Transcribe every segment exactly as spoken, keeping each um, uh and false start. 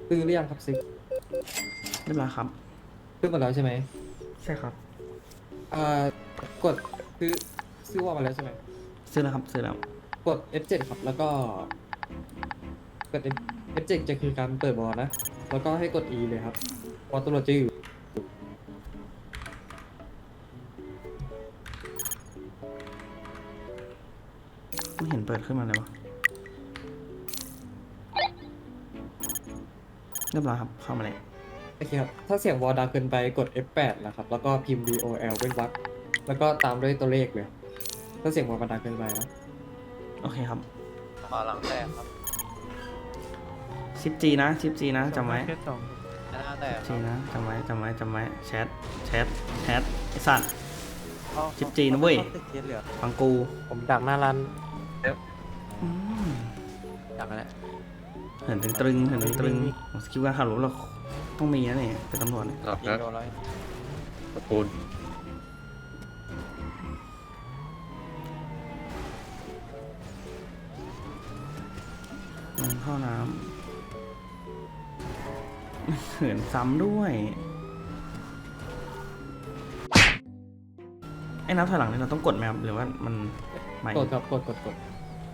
ซื้อหรือยังครับซิกเรียบร้อยครับซื้อหมดแล้วใช่ไหมใช่ครับอ่ากดซื้อซื้อวอลมาแล้วใช่ไหมซื้อแล้วครับซื้อแล้วกด เอฟ เจ็ด ครับแล้วก็กด F- เอฟ เจ็ด จะคือการเปิดบอลนะแล้วก็ให้กด E เลยครับบอลตำรวจจะอยู่ไม่เห็นเปิดขึ้นมาเลยวะเรียบร้อยครับเข้ามาเลยโอเคครับถ้าเสียงวอลดังเกินไปกด เอฟ แปด นะครับแล้วก็พิมพ์ บอล เว้นวรรคแล้วก็ตามด้วยตัวเลขเลยถ้าเสียงวอลมันดังเกินไปนะโอเคครับขอหลังแตกครับชิปจีนะชิปจีนะจำไว้หน้าแตกคจีรับนะจำไว้จำไว้จำไว้แชทแชทแชทไอสัตว์เอาจิ๊บจีนะเว้ยอาตึกเทียนเหลือฟังกูผมดักหน้าร้านอืมดักอะไรเห็นตึงตรึงเห็นตึงตรึงสกิลการขับรถเราต้องมีนะเนี่ยเป็นตำรวจเนี่ยหลับยิงนะโดนร้อยตะปูนลงท่อน้ำเหินซ้ำด้วยไอ้นับถอยหลังนี่เราต้องกดไหมครับหรือว่ามันไม่กดครับกดกดกด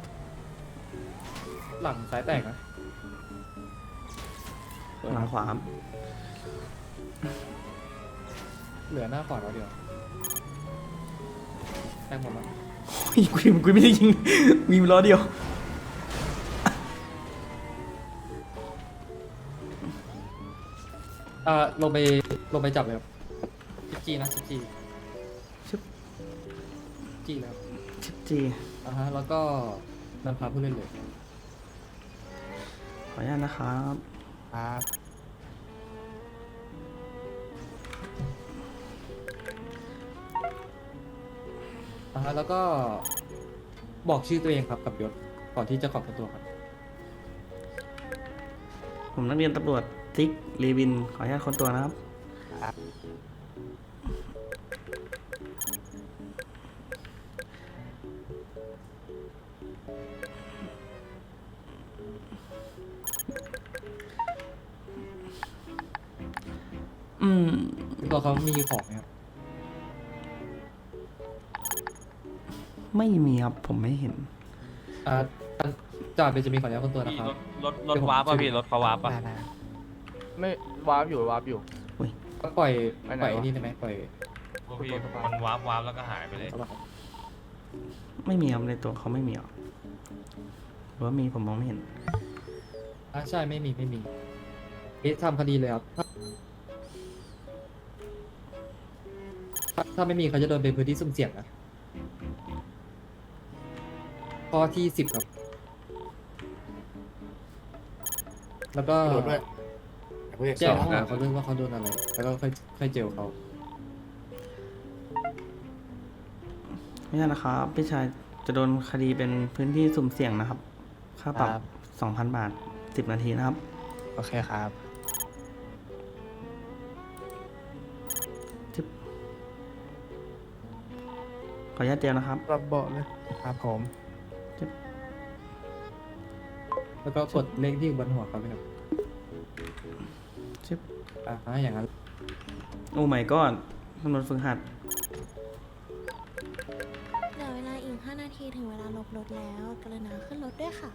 หลังซ้ายแตกนะหลังขวาครับเหลือหน้าขวาเราเดียวแตกหมดแล้วกูกูไม่ได้ยิงมีล้อเดียวอ่าลงไปลงไปจับเลยครับสิบจีนะสิบจีชิปจีแล้วชิปจีอ่าฮะแล้วก็นำพาผู้เล่นเลยขออนุญาตนะครับครับอ่าฮะแล้วก็บอกชื่อตัวเองครับกับยศก่อนที่จะขอบตัวครับผมนักเรียนตำรวจซิกรีวินขออนุญาตค้นตัวนะครับอืมตัวเขามีของไหมครับไม่มีครับผมไม่เห็นอ่าจ่าเป็นจะมีขออนุญาตคนตัวนะครับรถรถวาร์ปป่ะพี่รถเขาวาร์ปป่ะได้ได้ไม่วาร์ปอยู่วาร์ปอยู่ก็ปล่อยไปไหนปล่อยไอ้วะนี่ได้ไหมปล่อยพวกพี่มันวาร์ปวาร์ปแล้วก็หายไปเลยเอาละครับไม่มีครับในตัวเขาไม่มีหรอหรือว่ามีผมมองไม่เห็นอ่าใช่ไม่มีไม่มีเอ๊ะทำคดีเลยครับถ้าถ้าไม่มีเขาจะโดนเป็นพื้นที่สุ่มเสี่ยงนะข้อที่สิบครับ แล้วก็โดนด้วยผู้ใหญ่แจ้สงองข้อหานะเขาด้วยว่าเขาโดนอะไร แล้วก็ค่อยค่อยเจลเขาไม่ใช่นะครับพี่ชายจะโดนคดีเป็นพื้นที่สุ่มเสี่ยงนะครับ ค่าปรับครับสองพันบาทสิบนาทีนะครับโอเคครับขออนุญาตเดียวนะครับรับเบาะเลยครับผมแล้วก็กดเลขที่อยู่บนหัวเขาเลยครับชิบอ่าอย่างนั้นโอ้ my god ตำรวจฝึกหัดเหลือเวลาอีก ห้า นาทีถึงเวลาลบรถแล้ว กรุณาขึ้นรถด้วยค่ะ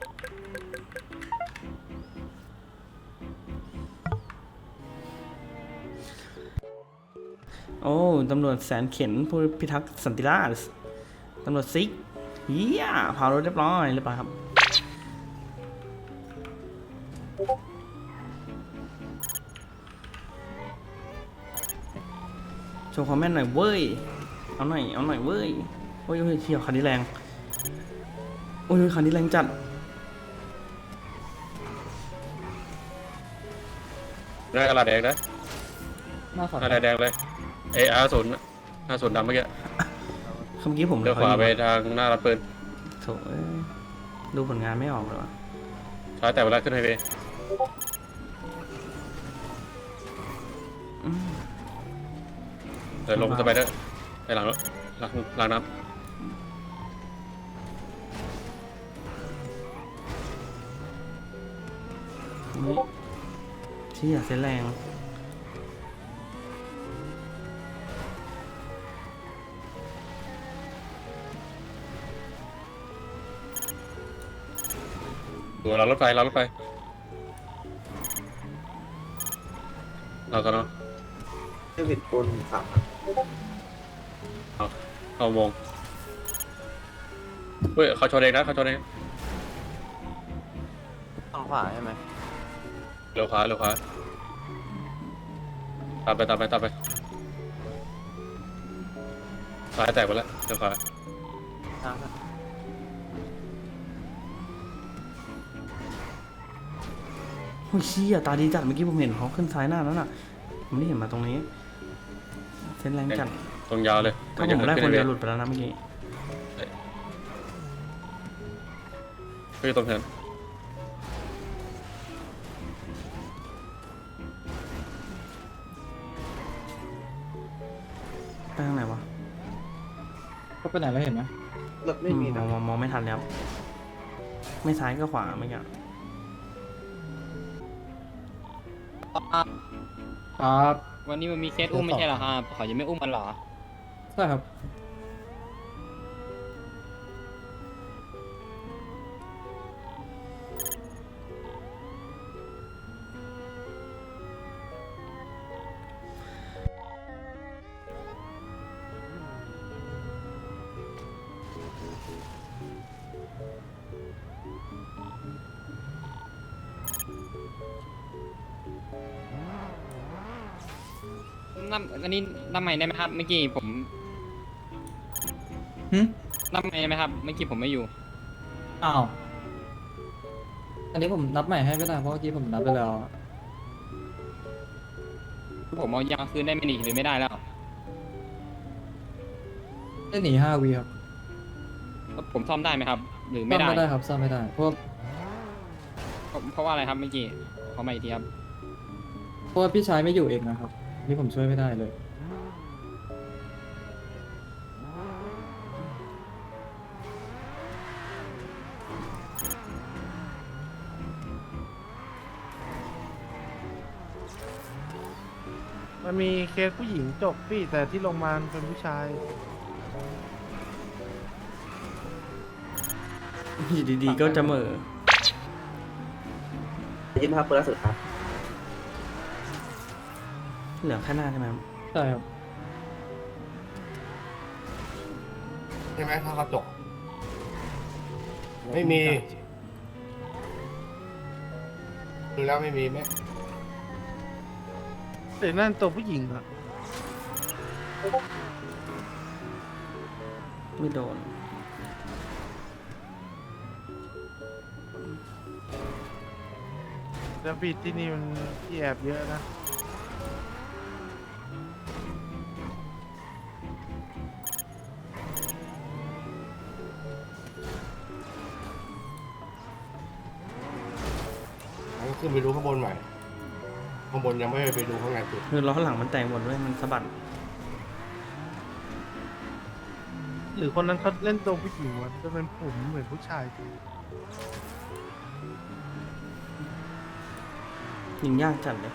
โอ้ตำรวจแสนเข็นผู้พิทักษ์สันติราษฎร์ตำรวจซิกเฮียเผารถเรียบร้อยเรียบร้อยครับ โชว์คอมเมนต์หน่อยเว้ย เอาหน่อย เอาหน่อยเว้ย โอ้ยโอ้ยเที่ยวคันนี้แรง โอ้ยคันนี้แรงจัดหน้ากระดาษแดงนะหน้าขวาหน้าแดงเลยเออาร์ศูนย์ห้าศูนย์ดำเมื่อกี้เมื่อกี้ผมเลี้ยวขวาไปทางหน้ารับปืนโถเอ้ยดูผลงานไม่ออกเลยวะซ้ายแต่เวลาขึ้นไฮเวย์อืมเดี๋ยวลงสไปเดอร์ไปหลังแล้วหลังหลังน้นี่เชี่ยเส้นแรงดูเรารถไฟเรารถไฟเราก็เนาะเดวิดคนขับเอาเข้าวงเฮ้ยเขาชนเองนะเขาชนเองทางขวาใช่ไหมเร็วขวาเร็วขวาตามไปตามไปตามไปซ้ายแตกไปแล้วเร็วขวาทางโอ้ยเชี่ยตาดีจัดเมื่อกี้ผมเห็นเขาขึ้นซ้ายหน้าแล้วน่ะผมไม่ได้เห็นมาตรงนี้เส้นแรงจัดตรงยาวเลยถ้าผมได้คนเดียวหลุดไปแล้วนะเมื่อกี้เฮ้ยตรงเหินไปทางไหนวะก็ไปไหนแล้วเห็นไหมรถไม่มีมนะองมองมองไม่ทันแล้ว ไม่ซ้ายก็ขวาเมื่อกี้ครับวันนี้มันมีเคสอุ้มไม่ใช่เหรอครับเขายังไม่อุ้มกันเหรอใช่ครับนับอันนี้นับใหม่ได้ไหมครับ เมื่อกี้ผมหึนับใหม่ได้ไหมครับ เมื่อกี้ผมไม่อยู่อ้าว อันนี้ผมนับใหม่ให้ไม่ได้เพราะเมื่อกี้ผมนับไปแล้วอะผมเอายางคืนได้ไหมนี่หรือไม่ได้แล้วได้หนีห้าวีครับผมซ่อมได้ไหมครับ หรือซ่ไม่อมได้ไม่ได้ครับซ่อมไม่ได้ เพราะเพราะเพราะว่าอะไรครับเมื่อกี้ขอมาอีกทีครับเพราะว่าพี่ชายไม่อยู่เองนะครับ นี่ผมช่วยไม่ได้เลยมันมีเคสผู้หญิงจบพี่แต่ที่โรงพยาบาลเป็นผู้ชายอยู่ดีๆก็จะเหม่อยี่สิบห้าเปอร์เซ็นต์สุดครับเหลือแค่หน้าใช่ไหมครับใช่ครับใช่ไหมถ้ากระจกไม่มีดูแล้วไม่มีไหมแต่นั่นตัวผู้หญิงอะไม่โดนแล้วพี่ที่นี่มันที่แอบเยอะนะงั้นขึ้นไปดูข้างบนใหม่ข้างบนยังไม่ไปดูข้างในสุดคือล้อหลังมันแตกหมดด้วยมันสะบัดหรือคนนั้นเขาเล่นตัวผู้หญิงวะจะเป็นผมเหมือนผู้ชายยิงยากจัดเลย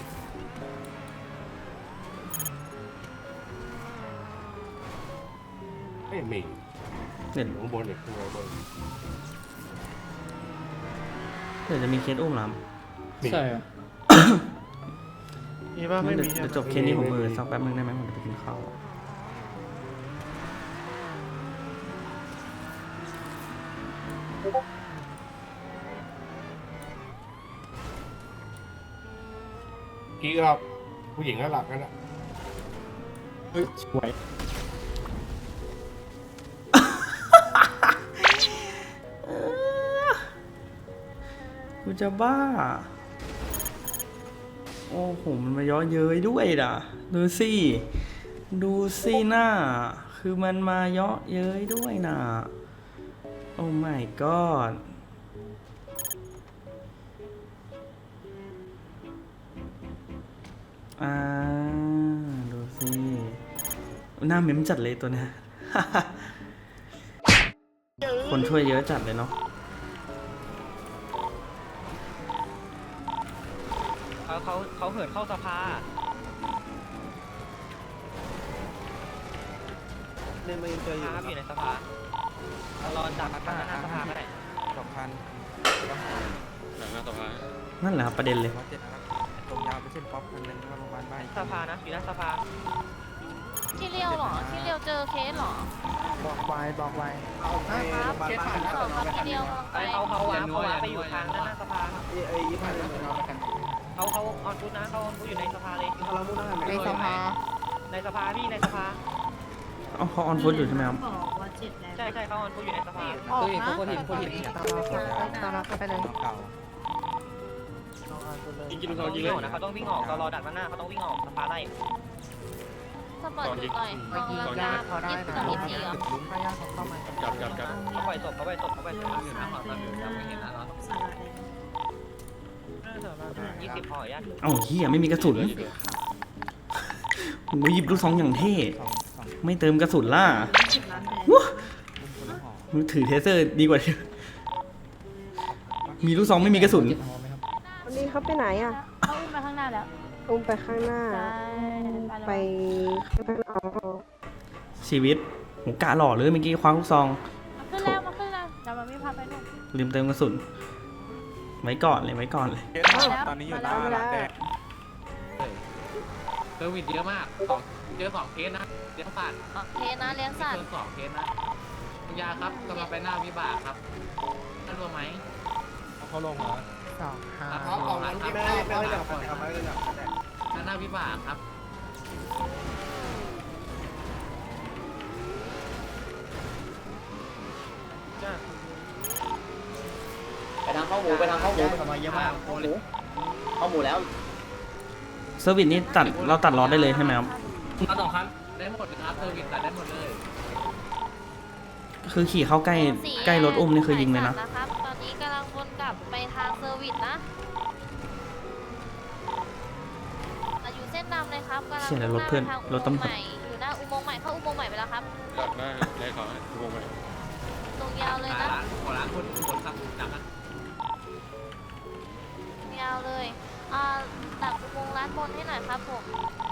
ไม่มีเดี๋ยวข้างบนอีกข้างบนเดี๋ยวจะมีเคสอุ้มหลามมีใช่ครับมีป่ะไม่เดี๋ยวมีเดี๋ยวใช่จปะบเคสนี้ผมมือสักแป๊บนึงได้ไหมผมจะไปกินข้าวกี้ก็ผู้หญิงก็หลักกันนะเฮ้ยสวยกูจะบ้า โอ้โห มันมาย้อเย้ยด้วยด่ะ ดูสิ ดูสิหน้า คือมันมาเยาะเย้ยด้วยน่ะ โอ้ my god อ่า ดูสิ หน้าเม้มจัดเลยตัวเนี้ย คนช่วยเยอะจัดเลยเนาะเอ่เขาเขาเขาเหินเข้าสภาในเมืองเจออยู่ครับอยู่ในสภารอจากข้างหน้าสภาก็ได้สองพันหลังหน้าสภานั่นแหละครับประเด็นเลยร้อยเจ็ดนะครับตรงยาวไปเส้นป๊อปคันหนึงแล้วก็โรงพยาบาลบ้านสภานะอยู่หน้าสภาที่เลี้ยวเหรอ ที่เลี้ยวเจอเคสเหรอบอกไว้บอกไว้เอาไปโรงพยาบาลบ้านสองครับที่เลี้ยวกำลังไปไปเขาเขาวางเขาวางไปอยู่ทางด้านหน้าสภาไอ้ไอ้ยี่ห้าเนี่ยเราไปกันเขาเขาออนฟุตนะเขาออนฟุตอยู่ในสภาเลยเรามุ่งหน้าในสภาในสภาพี่ในสภาเอาเขาออนฟุตอยู่ใช่ไหมครับใช่ใช่เขาออนฟุตอยู่ในสภาออกนะตามเราตามเราไปเลยเก่ายิงกินลูกซองยิงวิ่เลงยออกนะเขาต้องวิ่งออกตลอดักด้านหน้าเขาต้องวิ่งออกสภาไล่สปอร์ตดูหน่อยมองแล้วญานะติเขาได้ยี่สิบนะกับยี่สิบสี่เหรอถ้าญาติเขาเข้ามาจับจับจับเขาปล่อยศพเขาปล่อยศพเขาปล่อยศพยี่สิบพอญาติเอ้าเฮียไม่มีกระสุนโอ้ยหยิบลูกซองอย่างเท่ ไม่เติมกระสุนล่ะว้ามือถือเทเซอร์ดีกว่า มีลูกซองไม่มีกระสุนวันนี้เขาไปไหนอ่ะเขาอุ้มไปข้างหน้าแล้วอุ้มไปข้างหน้า ไปข้างหน้าชีวิตผมกะหล่อเลยเมื่อกี้คว้าลูกซองมาขึ้นแล้วมาขึ้นแล้วเดี๋ยวมันไม่พาไปนู่นลืมเติมกระสุน ไว้ก่อนเลยไว้ก่อนเลยตอนนี้อยู่หน้าร้านแดงเซอร์วิสเยอะมากสองเจอสองเคสนะเลี้ยงสัตว์โอเคนะเลี้ยงสัตว์เจอสองเคสนะคุณยาครับกำลังไปหน้าวิบากครับท่านรู้ไหมเขาลงเหรอสองห้าครับเอาเอางั้นแม่แม่ไม่ได้กับเขาไม่ได้กับหน้าวิบากครับไปทางข้าวหมูไปทางข้าวหมูทำไมเยอะมากข้าวหมูข้าวหมูแล้วเซอร์วิสนี่ตัดเราตัดล้อได้เลยใช่ไหมครับมาสองคันได้หมดเลยครับเซอร์วิสตัดได้หมดเลยคือขี่เข้าใกล้ใกล้รถอุ้มนี่คือยิงเลยนะนะครับตอนนี้กำลังวนกลับไปทางเซอร์วิสนะอยู่เส้นดำเลยครับกำลังเชี่ยแล้วรถเพื่อนทางรถตำรวจอุโมงค์ใหม่อยู่หน้าอุโมงค์ใหม่เข้าอุโมงค์ใหม่ไปแล้วครับดักหน้าได้ขอให้ทุกคนไปตรงยาวเลยนะร้านขอร้านคนคนครับจับนะยาวเลยอ่าดักอุโมงค์ร้านบนให้หน่อยครับผม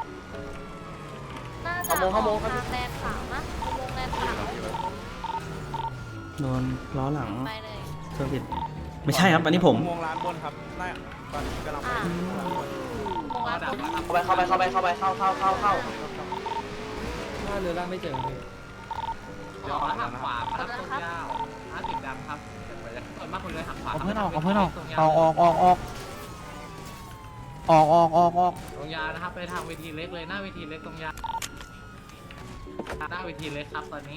น่าจะออกทางแลนด์ขาวนะอุโมงค์แลนด์ขาวโดนล้อหลังไปเลยเซอร์วิสไม่ใช่ครับอันนี้ผมวงร้านบนครับน่าตอนนี้กำลังไปอ่าอุโมงค์ร้านบนเข้าไปเข้าไปเข้าไปเข้าไปเข้าเข้าเข้าเข้าถ้าเรือล่างไม่เจอเลยเดี๋ยวหักขวาครับตรงยาวห้าสิบดำครับส่วนมากคนเลยหักขวาเอาเพื่อนออกเอาเพื่อนออกออกออกออกออกออกออกออกออกตรงยาวนะครับไปทางเวทีเล็กเลยหน้าเวทีเล็กตรงยาวหน้าเวทีเล็กครับตอนนี้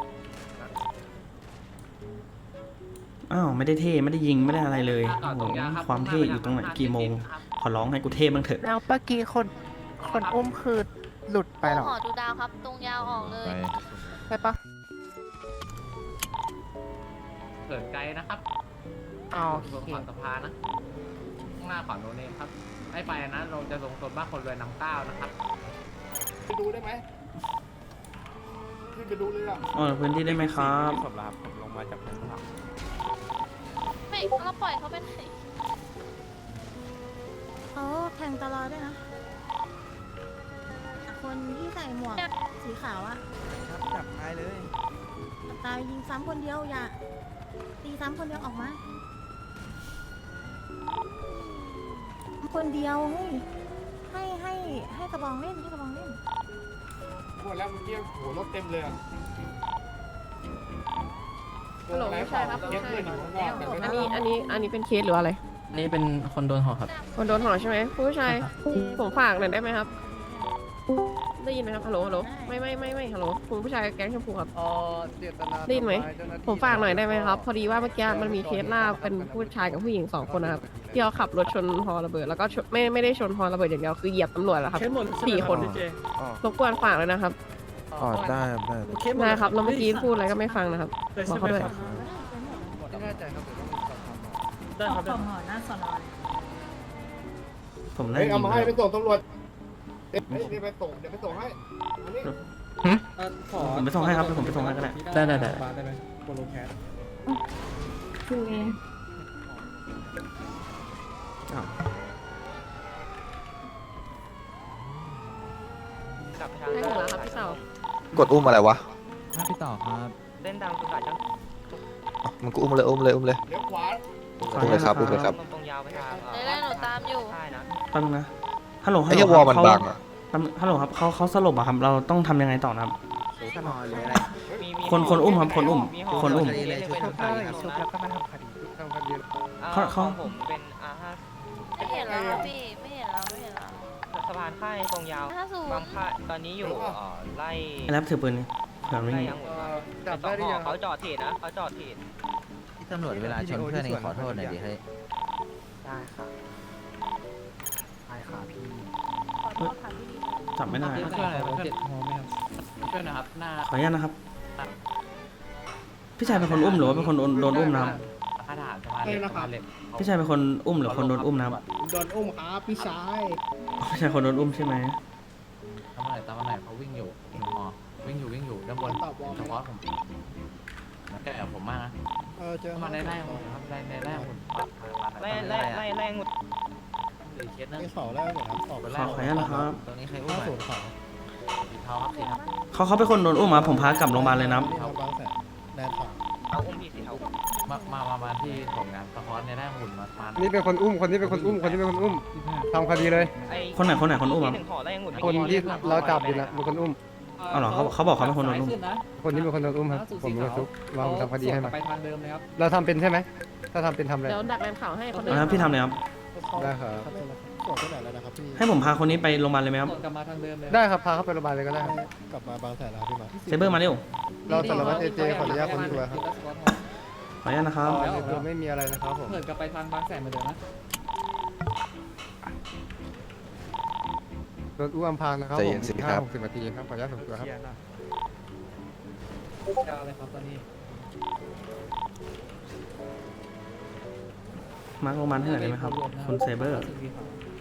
อ้าวไม่ได้เท่ไม่ได้ยิงไม่ได้อะไรเลยโอ้โหความเท่อยู่ตรงไหนกี่โมง ขอร้องให้กูเท่บ้างเถอะแล้วเมื่อกี้คนคนอุ้มคือหลุดไปเหรอหอดูดาวครับ ตรงยาวออกเลยใช่ปะเกิดไกลนะครับเอาส่วนโอเคขวาสะพานนะข้างหน้าขวาโนเนมครับไม่ไปนะเราจะลงโซนบ้านคนรวยน้ำเก้านะครับไปดูได้ไหมขึ้นไปดูเลยอ่ะอ๋อพื้นที่ได้ไหมครับผมรับผมลงมาจากทางข้างหลังไม่เราปล่อยเขาไปไหนเขาแทงตลอดด้วยนะ คนที่ใส่หมวกสีขาวอะจับท้ายเลยตายยิงซ้ำคนเดียวอย่าตีซ้ำคนเดียวออกมา คนเดียวเฮ้ยให้ให้ให้กระบองเล่นให้กระบองเล่นหมดแล้วเมื่อกี้โหรถเต็มเลยอ่ะฮัลโหลไม่ใช่ครับเยอะเพื่อนอยู่ข้างนอกแต่ไม่อันนี้อันนี้อันนี้เป็นเคสหรืออะไรนี่เป็นคนโดนหอครับคนโดนห่อใช่ไหมผู้ชายผมฝากหน่อยได้ไหมครับ ได้ยินไหมครับฮัลโหลฮัลโหลไม่ไม่ไม่ไม่ฮัลโหลคุณผู้ชายแก๊งชมพูครับอ๋อเจตนาได้ยินไหม ผมฝากหน่อยได้ไหมครับ พอดีว่าเมื่อกี้มันมีเคสล่าเป็นผู้ชายกับผู้หญิงสองคนนะครับที่เขาขับรถชนฮอระเบิดแล้วก็ชนไม่ไม่ได้ชนฮอระเบิดอย่างเดียวคือเหยียบตำรวจแล้วครับสี่คนรบกวนฝากเลยนะครับอ๋อได้ได้ได้ครับแล้วเมื่อกี้พูดอะไรก็ไม่ฟังนะครับบอกเขาด้วยไม่แน่ใจครับเดี๋ยวต้องมีสอบถามหมอได้ครับผมได้เฮ้ยยิเอางมาเลให้ยไปส่งตำรวจเฮ้ยเดี๋ยวไปส่งเดี๋ยวไปส่งให้อันนี้ผมไปส่งให้ครับผมไปส่งให้ก็ได้ได้ได้ได้ได้ไหมโปรโลแคสคือเองอ้าวได้หมดแล้วครับพี่เสากดอุ้มอะไรวะพี่ต่อครับเล่นดังสุดสายจังมันก็อุ้มเลยอุ้มเลยอุ้มเลยเลี้ยวขวาอุ้มเลยครับอุ้มเลยครับตรงยาวไปทางได้ได้หนูตามอยู่ใช่นะตั้งนะฮัลโหลฮัไอ้ลโหลเหี้ยวอลมันเขาบังอ่ะตั้งฮัลโหลครับเขาเขาสลบอะครับเราต้องทำยังไงต่อนะครับถ้านอนเลยอะไรมีมีคนคนอุ้มครับคนอุ้มห่คนอุ้มเล่นเป็นชุบคดีได้ชุบแล้วก็มาทำคดีทำคดีเขาเขาของผมเป็นอาห้าไม่เห็นแล้วครับพี่ไม่เห็นแล้วไม่เห็นแล้วสะพานค่ายตรงยาวห้าศูนบางย์ค่ายตอนนี้อยู่เอ่อไล่ไอ้แรปถือปืนนี่เผื่อไม่ไล่มียังหมดจับได้หรือยังเขาจอดเทรดนะเขาจอดเทรดที่ตำรวจเวลาชนเพื่อนเองขอโทษหน่อยดิเฮ้ยได้ค่ะได้ค่ะพี่ขอโทษค่ะพี่จับไม่ได้ช่วยหน่อยช่วยช่วยหนะครับหน้าขออนุญาตนะครับ พี่ชายเป็นคนอุ้มหรือว่าเป็นคนโดนโดนอุ้มนะครับค่าทหารสะพานเหล็กสะพานเหล็กพี่ชายเป็นคนอุ้มหรือคนโดนอุ้มนะครับโดนอุ้มครับพี่ชายพี่ชายคนโดนอุ้มใช่ไหมตามมาไหนตามมาไหนเขาวิ่งอยู่หนูหมอวิ่งอยู่วิ่งอยู่ด้านบนเฉพาะผมมันแก่ผมมากนะเออเจอมาในไร่หุ่นครับในในไร่หุ่นไล่ไล่ไล่ไล่หมดหรือเคสนึงที่เขาแล้วเหรอครับออกไปขอขออนุญาตนะครับตรงนี้ใครอุ้มห้าศูนย์เขาสีเทาครับสีเทาเขาเขาเป็นคนโดนอุ้มครับผมพากลับโรงพยาบาลเลยนะครับที่ทำบางแสนแดนสองเอาอุ้มพี่สีเทามามามามาที่ผมงานสะท้อนในไร่หุ่นมามานี่เป็นคนอุ้มคนนี้เป็นคนอุ้มคนนี้เป็นคนอุ้มทำคดีเลยไอ้คนไหนคนไหนคนอุ้มครับที่หนึ่งห่อไล่ยังหมดคนที่เราจับอยู่นะเป็นคนอุ้มเอาเหรอเขาเขาบอกเขาเป็นคนโดนอุ้มคนนี้เป็นคนโดนอุ้มครับผมเป็นคนชุบเราทำคดีให้มาไปทางเดิมเลยครับเราทำเป็นใช่ไหมถ้าทำเป็นทำอะไรเดี๋ยวดักแรมข่าวให้คนเอาละครับพี่ทำเลยครับได้ครับส่วนที่ไหนแล้วนะครับพี่ให้ผมพาคนนี้ไปโรงพยาบาลเลยไหมครับส่วนกลับมาทางเดิมเลยได้ครับพาเข้าไปโรงพยาบาลเลยก็ได้ครับกลับมาบางแสนแล้วพี่มาเซเบอร์มาเร็วเราสารวัตรเอเจขออนุญาตคนตัวครับขออนุญาตนะครับอ๋อในตัวไม่มีอะไรนะครับผมเหินกลับไปทางบางแสนเหมือนเดิมนะโดนอุ้มอำพรางนะครับใจผเย็มนสิห้าครับหกสิบนาทีครับขออนุญาตส่งตัวครับยาวเลยครับตอนนี้มาร์คโรงพยาบาลให้หน่อยได้ไหมครับคุณเซเบอร์สีขาว